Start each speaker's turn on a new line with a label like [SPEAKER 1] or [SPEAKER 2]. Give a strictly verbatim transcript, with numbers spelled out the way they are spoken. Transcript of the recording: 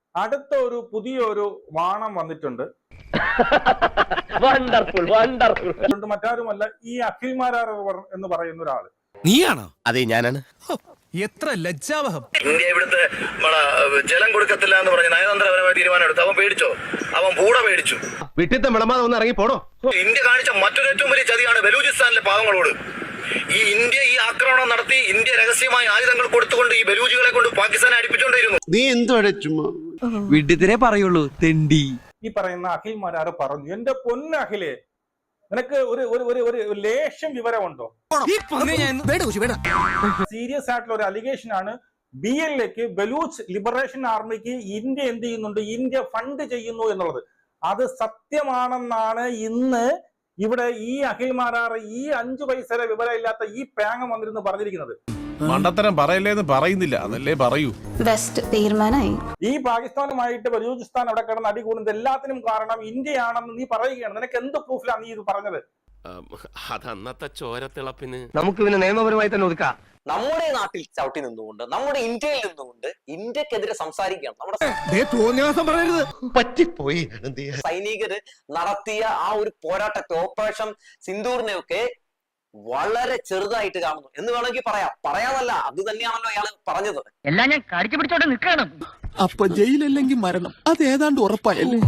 [SPEAKER 1] അടുത്ത ഒരു പുതിയൊരു വാണം വന്നിട്ടുണ്ട്.
[SPEAKER 2] Wonderful wonderful.
[SPEAKER 1] മറ്റാരുമല്ല, ഈ അഖിൽ മാരാർ എന്ന് പറയുന്ന ഒരാള്.
[SPEAKER 3] നീയാണോ? അതെ, ഞാനാണ്.
[SPEAKER 4] എത്ര ലജ്ജാവഹം.
[SPEAKER 5] ഇന്ത്യ ഇവിടുത്തെ ജലം കൊടുക്കത്തില്ല എന്ന് പറഞ്ഞ് നയതന്ത്രപരമായ തീരുമാനം എടുത്തു. അവൻ പേടിച്ചോ? അവൻ പൂട പേടിച്ചു.
[SPEAKER 3] വിട്ടിത്തെ വിളമാതെ ഒന്ന് ഇറങ്ങി പോടോ.
[SPEAKER 5] ഇന്ത്യ കാണിച്ച മറ്റൊരു ഏറ്റവും വലിയ ചതിയാണ് ബലൂചിസ്ഥാനിലെ പാവങ്ങളോട്. ഈ ഇന്ത്യ ഈ ആക്രമണം നടത്തി ഇന്ത്യ രഹസ്യമായി ആയുധങ്ങൾ കൊടുത്തുകൊണ്ട് ഈ ബലൂജികളെ കൊണ്ട് പാകിസ്ഥാനെ അടിപ്പിച്ചുകൊണ്ടിരുന്നു.
[SPEAKER 6] നീ എന്തുവാടെ ചുമ്മാ
[SPEAKER 7] വിഡിത്തിനെ പറയുള്ളൂ തെണ്ടി.
[SPEAKER 1] ഈ പറയുന്ന അഖിൽ മാരാർ പറഞ്ഞു, എന്റെ പൊന്ന അഖിലേ, നിനക്ക് ഒരു ഒരു ഒരു ഒരു ലേശം വിവരമുണ്ടോ? സീരിയസ് ആയിട്ടുള്ള ഒരു അലിഗേഷൻ ആണ്. ബി എൽ എക്ക് ബലൂച്ച് ലിബറേഷൻ ആർമിക്ക് ഇന്ത്യ എന്ത് ചെയ്യുന്നുണ്ട്, ഇന്ത്യ ഫണ്ട് ചെയ്യുന്നു എന്നുള്ളത്. അത് സത്യമാണെന്നാണ് ഇന്ന് ഇവിടെ ഈ അഖിൽ മാരാർ, ഈ അഞ്ചു പൈസയുടെ വിവരമില്ലാത്ത ഈ പേങ്ങ വന്നിരുന്ന് പറഞ്ഞിരിക്കുന്നത്.
[SPEAKER 8] മണ്ടത്തരം പറയല്ലേന്ന് പറയുന്നില്ല, അതല്ലേ പറയൂ.
[SPEAKER 9] വെസ്റ്റ് തീരുമാനമായി.
[SPEAKER 1] ഈ പാകിസ്ഥാനുമായിട്ട് ബലൂചിസ്ഥാൻ അവിടെ കിടന്ന് അടി കൂടുന്നത് എല്ലാത്തിനും കാരണം ഇന്ത്യയാണെന്ന് നീ പറയുകയാണ്. നിനക്ക് എന്ത് പ്രൂഫിലാണ് നീ ഇത് പറഞ്ഞത്?
[SPEAKER 3] അതന്നത്തെ ചോരത്തിളപ്പിന്
[SPEAKER 2] നമുക്ക് പിന്നെ നിയമപരമായി തന്നെ ഒതുക്കാം.
[SPEAKER 10] നമ്മുടെ നാട്ടിൽ ചവിട്ടി നിന്നുകൊണ്ട്, നമ്മുടെ ഇന്ത്യയിൽ നിന്നുകൊണ്ട് ഇന്ത്യക്കെതിരെ സംസാരിക്കുകയാണ്. നമ്മുടെ
[SPEAKER 6] പറ്റിപ്പോയി.
[SPEAKER 10] സൈനികര് നടത്തിയ ആ ഒരു പോരാട്ടത്തെ, ഓപ്പറേഷൻ സിന്ദൂറിനെയൊക്കെ വളരെ ചെറുതായിട്ട് കാണുന്നു എന്ന് വേണമെങ്കിൽ പറയാം. പറയാതല്ല, അത് തന്നെയാണല്ലോ അയാൾ പറഞ്ഞത്.
[SPEAKER 2] എല്ലാം ഞാൻ കടിച്ചു പിടിച്ചോണ്ട് നിൽക്കണം.
[SPEAKER 7] അപ്പൊ ജയിലല്ലെങ്കിൽ മരണം, അത് ഏതാണ്ട് ഉറപ്പായല്ലേ?